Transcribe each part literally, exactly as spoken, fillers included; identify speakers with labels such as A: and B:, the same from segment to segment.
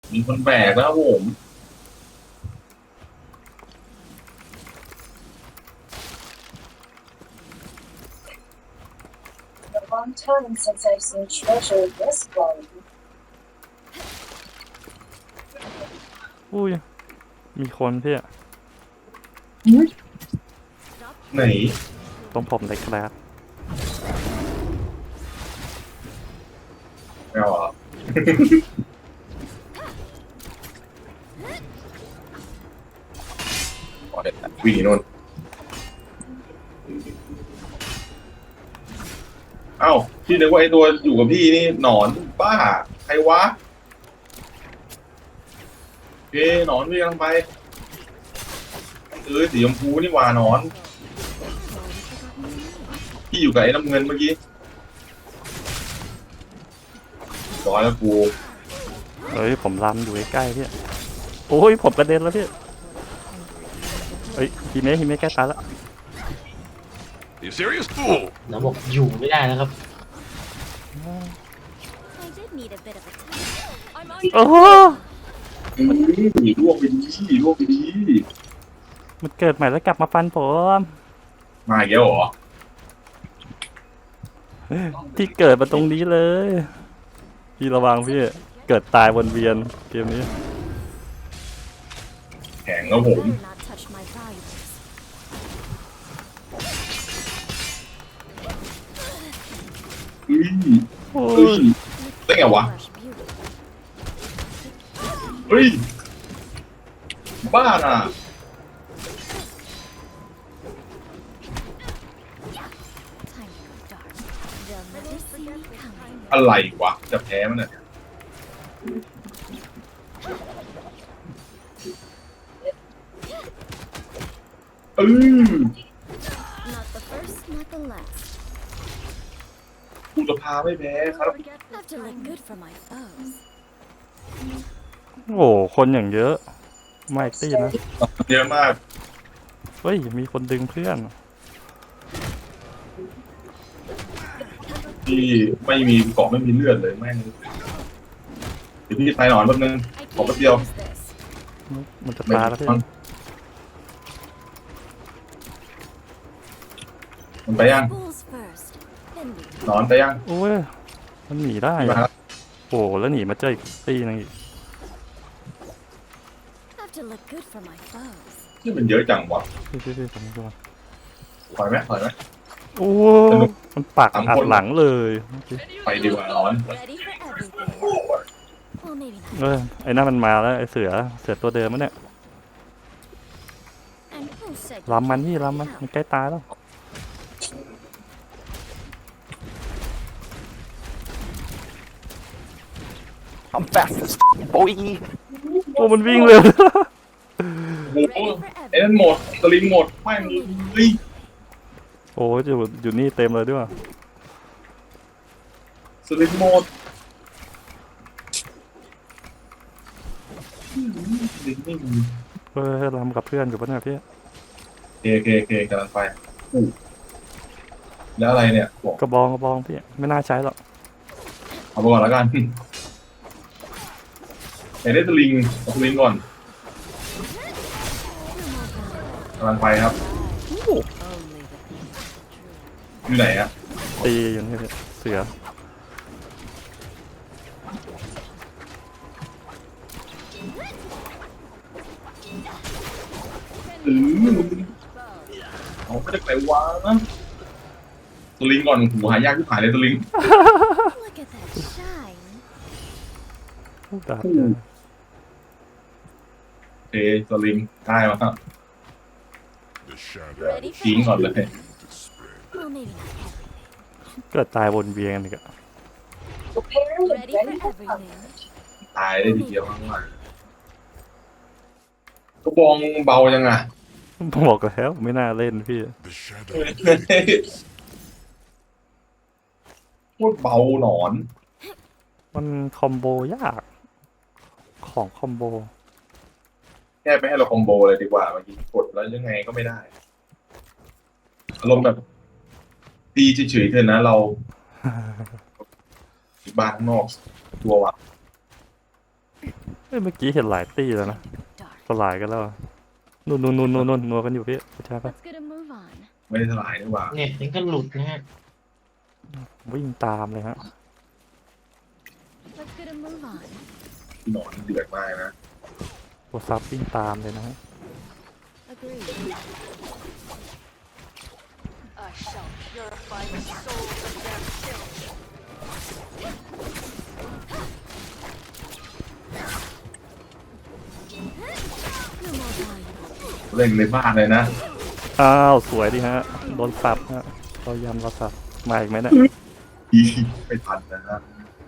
A: มีคนแบกแล้วครับผม
B: A long time since I've seen treasure this volume.
C: อุ้ยมีคนพี่
A: ไหน
C: ตรงผมเลยครับ
A: ไม่เอาเหรอ อ๋อเด็ดวิ่งนู่นเอ้าพี่นึกว่าไอ้ตัวอยู่กับพี่นี่หนอนบ้าใครวะเอ้หนอนวิ่งลงไปเออสีชมพูนี่หว่าหนอนพี่อยู่กับไอ้น้ำเงินเมื่อกี้ร้อยแล้วกู
C: เฮ้ยผมล้ำอยู่ใกล้ๆพี่โอ้ยผมกระเด็นแล้วพี่เฮ้ยฮิเมะฮิเมะใกล้ตายแล้ว
D: You serious fool?
E: น้องบอกอยู่ไม่ได้แล้วครับ
F: I did need a bit of a time. I'm on
C: โอ้โห
A: อืมลวกไปดีลวกไปดี
C: มันเกิดใหม่แล้วกลับมาฟันผม
A: มาอีกแล้วเหรอ
C: ที่เกิดมาตรงนี้เลยพี่ระวังพี่เกิดตายวนเวียนเกมนี้
A: แข็งแล้วผม
F: better not touch my valuables.
A: เฮ้ย
C: โอ้
A: เฮ้
C: ย
A: ยได้ไงวะ
F: Fresh beauty.
A: เฮ้ย บ้าน่ะ
F: Time to go dark. They'll never see me coming.
A: อะไรวะ จะแพ้มันเนี่ยเออ
F: Not the first, not the last.
A: กูจะพาไม่แพ้ครับ
F: Have to look good for my foes.
C: โหคนอย่างเยอะไม่ตีนะ
A: เยอะมาก
C: เฮ้ยมีคนดึงเพื่อน
A: ที่ไม่มีเกาะไม่มีเลือดเลยแม่งเดี๋ยวพี่ตายหนอนแป๊บนึง
F: I
A: ขอ
F: can't
A: แป๊บเดียว
F: use this.
C: มันจะ
A: ไม่
C: ตายแล้วพี่
A: มันมันไปยัง
F: Bulls first, then we
A: หนอนไปยัง
C: โอ้ยมันหนีได้
A: มาแล้ว
C: โอ้แล้วหนีมาเจออีกตีนึงอีก
F: have to look good for my foes.
A: ที่มันเยอะจังวะ
C: พี่พี่พี่ผมดู
A: ถอยไหมถอยไหม
C: โอ้มันปักอัดหลังเลย
A: ไปดีกว่าหนอน
F: Ready for everything. Well, maybe not.
C: เออไอ้นั่นมันมาแล้วไอ้เสือเสือตัวเดิมมันเนี่ย
F: And who said
C: ลำมันพี่ลำมันมันใกล้ตายแล้ว
G: I'm fast as boy.
C: โอ้มันวิ่งเลย
A: โอ้โห
F: ready for
A: ไอ้นั่น
F: everything?
A: หมดสลิงหมดไม่มีเฮ้ย
C: โอ้ยอยู่อยู่นี่เต็มเลยด้วย
A: สลิงหมดสลิงไม่มี
C: เออลำกับเพื่อนอยู่ปะเนี่ยพี่
A: เคเคเคกำลังไปอู้แล้วอะไรเนี่ยบอก
C: กระบองกระบองพี่ไม่น่าใช้หรอก
A: เอาไปก่อนแล้วกันไหนได้สลิงเอาสลิงก่อนกำลังไปครับ อยู่ไหนอะ
C: ตีอยู่นี่พี่เสือ
A: อือเอาไม่ได้ไปวางนะสลิงก่อนหูหายากที่ผ่านเลยสลิง
F: Look at that shine.
C: ดาบ
A: อู้เอสลิงได้มาครับ
D: The shadow
F: Ready for
A: ทิ้งก่อนเลย
D: to spread.
F: Well, maybe not everything.
C: เกิดตายวนเวียนอีกอะ
B: Prepared and
F: Ready
B: ready
F: for
B: for combat.
F: everything.
A: ตายได้ทีเดียวข้างหลังกระบองเบายังอ่ะ
C: บอกแล้วไม่น่าเล่นพี่
D: The shadow fades.
A: โคตรเบาหนอน
C: มันคอมโบยากของคอมโบ
A: แค่ไปให้เราคอมโบเลยดีกว่าเมื่อกี้กดแล้วยังไงก็ไม่ได้ อารมณ์แบบตีเฉยๆเถอะนะเราบ้านข้างนอกตัวว่ะ
C: เฮ้ยเมื่อกี้เห็นหลายตีแล้วนะ
F: dark.
C: สลายกันแล้วอะนู่นนู่นนู่นนู่นนู่นนัวกันอยู่พี่ใช่ปะ
F: Let's get a move on.
A: ไม่ได้สลายนี่หว่า
E: เน็ตยังก็หลุดนะฮะ
C: วิ่งตามเลยฮะ
F: Let's get a move on.
A: หนอนเดือดมากนะ
C: ตัวซับวิ่งตามเลยนะฮะ
F: Agreed.
H: I shall purify the souls of their filth.
F: You're more valuable.
A: เล่นในบ้านเลยนะ
C: อ้าวสวยดิฮะโดนสับฮะเรายำเราสับมาอีกไหมเนี่ย
A: อีไม่ทันนะฮะ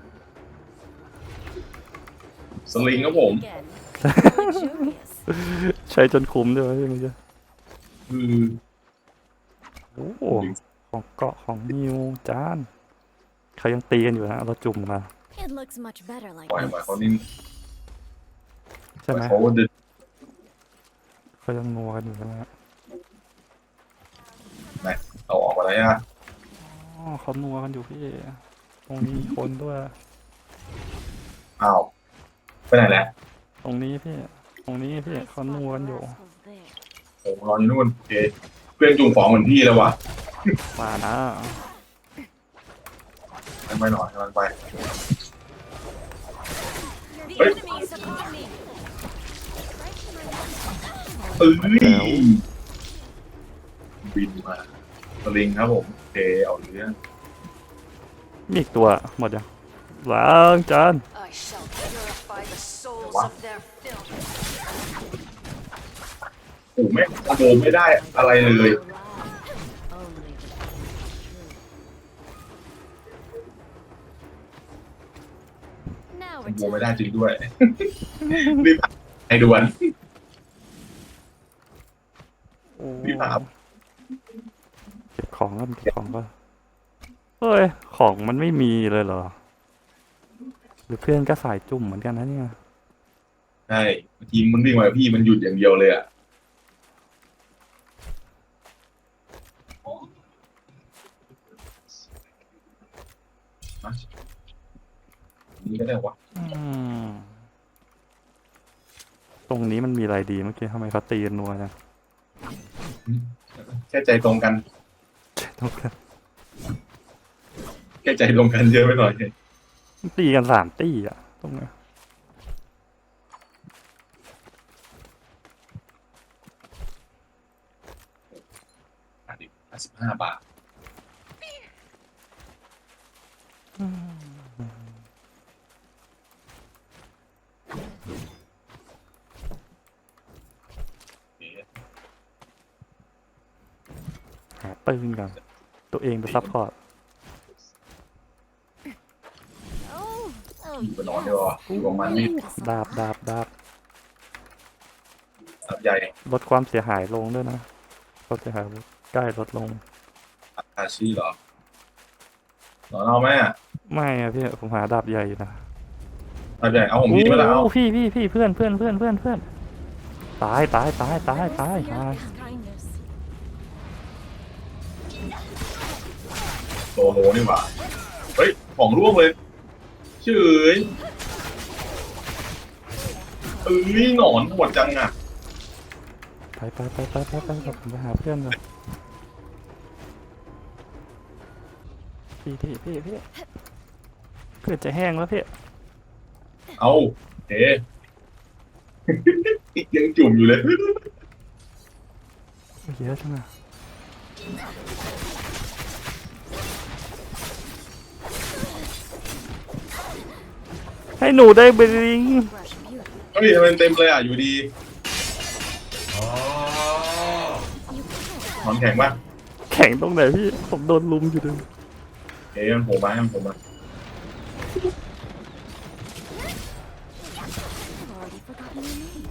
A: สลิงครับผม
F: Again. Luxurious.
C: ใช้จนคุ้มด้วยวะพี่เมื่อกี้
A: คือ
C: โอ้โหของเกาะของนิวจานเขายังตีกันอยู่นะเราจุ่มมา
F: It looks much better like
A: ปล่อยมาเขา
F: this.
A: นิ่ง
C: ใช่ไหม
A: เขาเดิน
C: เขายังนัวกันอยู่นะฮะ
A: เอาออกมาแล้วอ่ะ
C: อ๋อเขานัวกันอยู่พี่ตรงนี้มีคนด้วย
A: อ้าวไปไหนแหละ
C: ตรงนี้พี่ตรงนี้พี่
F: I
C: เขา
F: spot
C: นัว
F: the
C: กันอยู่
F: rascals there.
A: ผมรออยู่นู่นโอเคเพื่อนจุ่มของเหมือนพี่แล้ววะ
C: มานะ
A: ไปไปหน่อยกำลังไป
H: The
A: Hey.
H: enemies upon me.
A: เอ้ยบินมาสลิงครับผมโอเคเอาเรื่อง
C: มีอีกตัวหมดยังล้างจาน
H: I shall purify the souls
A: Wow.
H: of their filth.
A: โอ้ไม่คอมโบไม่ได้อะไรเลย
F: Only the pain is true. Now
A: คอ
F: we're
A: มโบไม่
F: done.
A: ได้จริงด้วย รีบให้ด่วน
C: โอ้
A: พี่ถาม
C: เก็บของก็เก็บของก็เฮ้ยของมันไม่มีเลยเหรอหรือเพื่อนก็สายจุ่มเหมือนกันนะเนี่ย
A: ใช่บางทีมันวิ่งมาพี่มันหยุดอย่างเดียวเลยอ่ะมานี่ก็ได้วะ
C: อืมตรงนี้มันมีอะไรดีเมื่อกี้ทำไมเขาตีกันนัวจัง
A: แค่ใจตรงกัน
C: ตรงนั้น
A: แค่ใจตรงกันเยอะไปหน่อย
C: ตีกันสามตีอ่ะตรงนี้น
A: อ่ะดิห้าสิบห้าบาทโอเค
C: หาปืนก่อนตัวเองเป็นซัพพอร์ต
F: Oh, oh
A: อยู่กับนอนดีกว่าอยู่กับมันนี่
F: yes.
C: ดาบดาบดาบ
A: สับใหญ่
C: ลดความเสียหายลงด้วยนะความเสียหายใกล้ลดลง
A: อาชีเหรอหนอนเอาไหมอ่ะ
C: ไม่อะพี่ผมหาดาบใหญ่อยู่นะ
A: สับใหญ่เอาผมพี่มาแล้วเอา
C: โอ้พี่พี่พี่เพื่อนเพื่อนเพื่อนเพื่อนเพื่อนตายตายตายตายตาย
F: Your
C: ตาย
F: kindness.
A: โลโลนี่หว่าเฮ้ยของร่วงเลยเฉยเอ้ยหนอนหมดจังอ่ะ
C: ไปไปไปไปไปไปผมไปหาเพื่อนก่อนพี่พี่พี่พี่เพื่อนจะแห้งแล้วพี่
A: เอาเอ๊ะ ยังจุ่มอยู่เลย
C: เยอะจังอะให้หนูได้บลิง
F: Brush beauty.
A: เฮ้ยทำไมเต็มเลยอ่ะอยู่ดี
F: You can't
A: หนอนแข็งปะ
C: แข่งตรงไหนพี่ผมโดนลุมอยู่ดึง
A: เอ๊ะมันโผล่มาให้มันโผล่มา
F: I've already forgotten your name.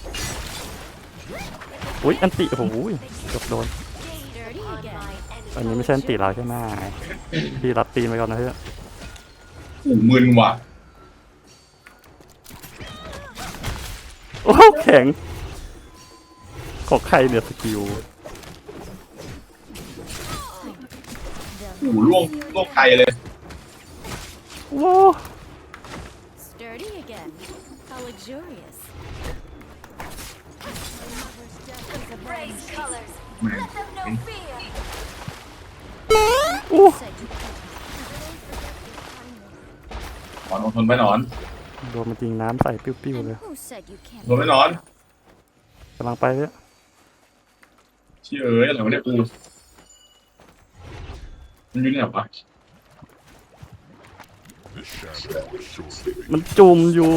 C: อุ้ยอันติโอ้โหเกือบโดน
F: Dirty again.
C: อันนี้ไม่ใช่อันติเราใช่ไหมพี่รับตีนไปก่อนนะเพื่อน
A: หูมึนว่ะ
C: โอ้แข็งของใครเนี่ยสกิล
A: หูล่วงล่วงไกลเลย
C: ว้า
F: Sturdy again. How How luxurious.
H: Raise colors.
A: แม่ง
H: Let them know fear.
C: อู้
F: Said you couldn't.
A: หนอนอดทนไว้หนอน
C: โดนมันจริงน้ำใส่ปิ้วๆ
F: And
C: เลย
F: who said you can't?
A: โดนไว้หนอน
C: กำลังไปเลย
A: เชี่ยเอ้ยอะไรวะเนี่ยกูมันอยู่ที่ไหนวะ
D: The shadow will surely be
C: มันจุ่มอยู่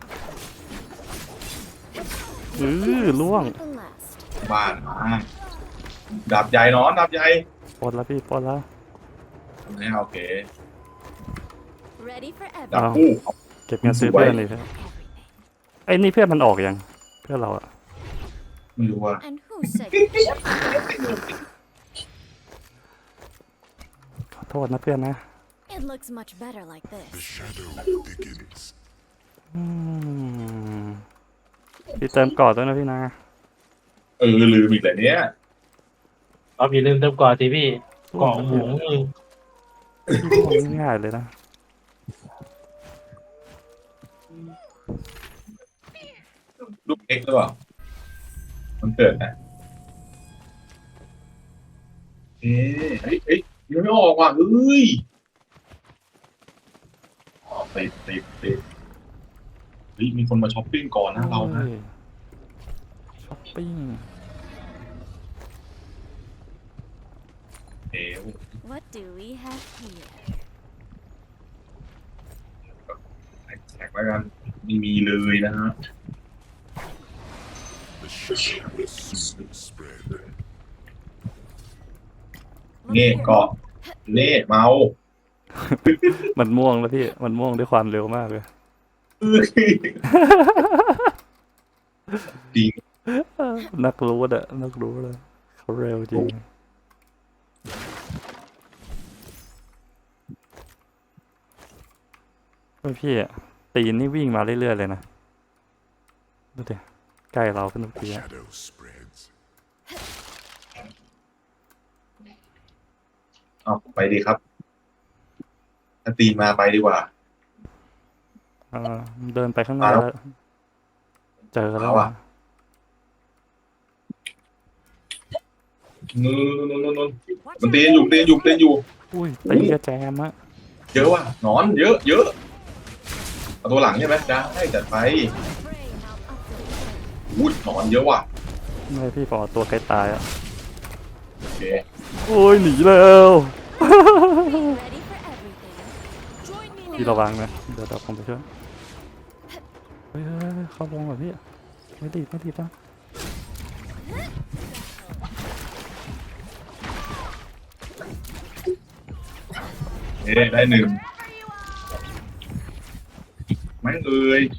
C: เออล่วง
F: The last.
A: บ้านมาดาบใหญ่หนอนดาบใหญ่
C: ปลดแล้วพี่ปลดแล้ว
A: นี่โอเค
F: Ready for
A: ดาบ
F: everything.
A: คู่
C: เก็บเงินซื้อเพื่อนเลยครับไอ้นี่เพื่อนมันออกยังเพื่อนเราอะ
A: ไม่รู้ว่า
F: And who said you can't?
C: ขอโทษนะเพื่อนนะ
F: It looks much better like
D: the
F: this.
D: shadow thickens.
C: อืมพี่เติมก่อนด้วยนะพี่นะ
A: เออลืมอีกแต่เนี้ย
E: เอาอย่าลืมเติมก่อนสิพี่กล่องหมูนี่
C: พี่บอกง่ายๆเลยนะ
A: ลูกเอ็กซ์หรือเปล่ามันเกิดนะเอ๊ะเฮ้ยเฮ้ยยังไม่ออกว่ะเฮ้ยอ๋อติดติดติดเฮ้ยมีคนมาช้อปปิ้งก่อนนะเรานะ
C: ฮ้ยช้อปปิ้ง
A: เอ๋ว
F: What do we have here?
A: แจกแล้วกันไม่มีเลยนะฮะ
D: The shadow will soon spread.
F: Look
A: เน่
F: here.
A: เกาะเน่เมา
C: มันม่วงแล้วพี่มันม่วงด้วยความเร็วมากเลย
A: เอ้ยจริง
C: นักรู้อะนักรู้เลยเขาเร็วจริงเฮ้ยพี่อะตีนนี่วิ่งมาเรื่อยๆเลยนะดูดิใกล้เราขึ้นทุก
D: The
C: ทีอะ
D: shadow spreads.
A: เอาไปดีครับ ถ้าตีมาไปดีกว่า
C: เออเดินไปข้างหน้า
A: มาแล้ว
C: แล้วเจอแล้ว
A: เอาอะ
C: อะ
A: นู่นนู่นนู่นนู่นมันตีนอยู่ตีนอยู่ตีนอยู่
C: อุ้ยตีกระแจมอะ
A: เยอะว่ะหนอนเยอะเยอะเอาตัวหลังใช่ไหมได้จัดไป
F: Pray now up the
A: อุ้ยหนอนเยอะว่ะ
C: ไม่พี่ปอตัวใกล้ตายอะ
A: โอเค
C: โอ้ยหนีแล้ว
F: Ready for everything. Join me
C: พี่
F: now.
C: ระวังนะเดี๋ยวเราผมไปช่วยเฮ้ยเฮ้ยเฮ้ยเข้าวงแบบพี่ไม่ตีบไม่ตีบนะ
A: เอ๊ะได้หนึ่งไม่เอ่ย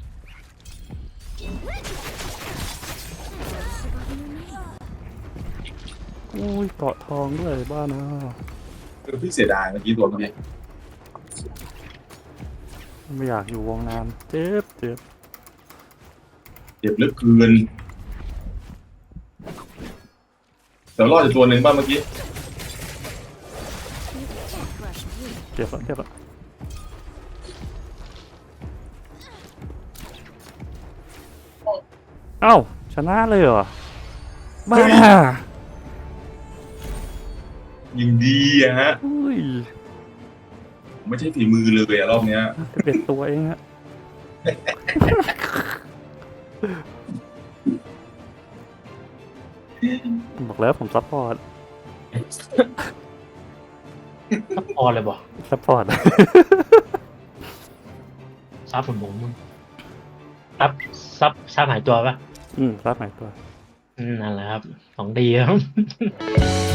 C: อุ้ยเกาะทองด้วยบ้านะ
A: คือพี่เสียดายเมื่อกี้ตัวเมื่อกี้
C: ไม่อยากอยู่วงนานเจ็บเจ็บ
A: เจ็บเหลือเกินแต่รอดจากตัวหนึ่งบ้างเมื่อกี้
F: You can't crush me.
C: เจ็บแล้วเจ็บแล้วเอ้าชนะเลยเหรอบ้า
A: ยิงดีอะฮะ
C: อุ้ย
A: ไม่ใช่ฝีมือเลยอะรอบเนี้ย
C: จะเป็นตัวเองอะบอกแล้วผมซัพพอร์ต
E: พอเลยบอก
C: ซัพพอร์ต
E: ซับผมผมซับซับซับหายตัวปะ
C: อืมซับไหนตัว
E: อืมนั่นแหละครับของดีครับ